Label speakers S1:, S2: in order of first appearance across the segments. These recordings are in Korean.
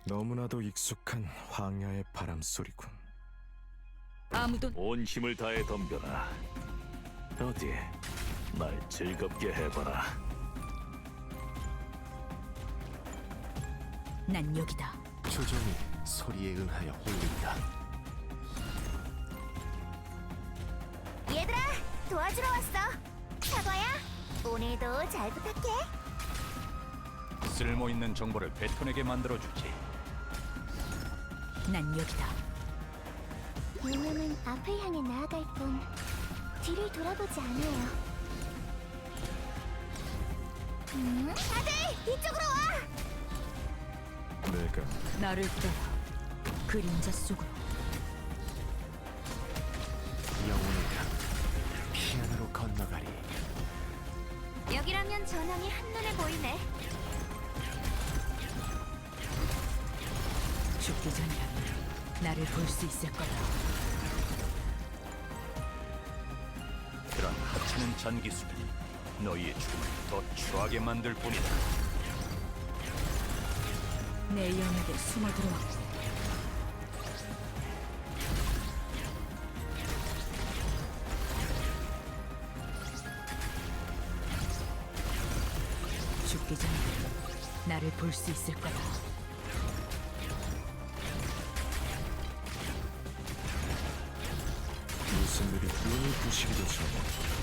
S1: 너무나도 익숙한 황야의 바람 소리군.
S2: 아무도
S3: 온 힘을 다해 덤벼라. 어디 날 즐겁게 해봐라.
S2: 난 여기다.
S4: 조종이 소리에 응하여 홀린다.
S5: 얘들아, 도와주러 왔어. 사과야, 오늘도 잘 부탁해.
S6: 쓸모있는 정보를 베톤에게 만들어주지.
S2: 난 여기다.
S5: 유명은 앞을 향해 나아갈 뿐 뒤를 돌아보지 않아요. 다들 이쪽으로 와!
S1: 내가
S2: 나를 따라 그림자 속으로.
S4: 영혼의 강 피안으로 건너가리.
S5: 여기라면 전황이 한눈에 보이네.
S2: 죽기 전이라면 나를 볼 수 있을 거다.
S6: 그런 하찮은 잔기술은 너희의 죽음을 더 추하게 만들 뿐이다.
S2: 내 영역에 숨어 들어왔고 죽기 전이라면 나를 볼 수 있을 거다.
S1: 무슨 일이 눈이 부시기도 전에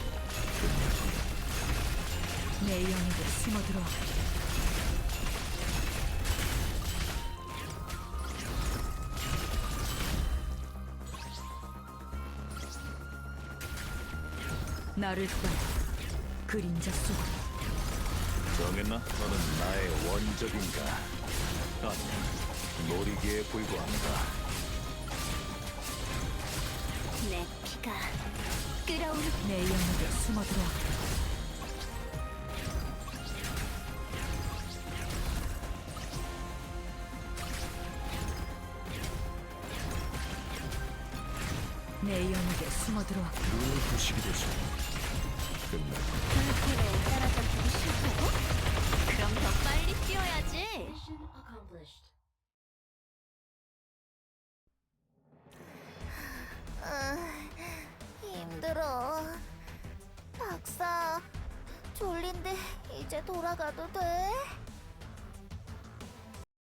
S2: 내 영역에 숨어 들어왔고 나를 따라 그림자 속으로.
S3: 정했나? 너는 나의 원적인가? 아니면 놀이기에 불과한가?
S5: 내 피가 끓어오르.
S2: 내 영역에 숨어 들어왔고 내 영역에 숨어 들어왔고
S1: 눈이 부시기도 전에 끝날
S5: 불길에 따라잡히기 싫다고? 그럼 더 빨리 뛰어야지. 힘들어. 박사, 졸린데 이제 돌아가도 돼?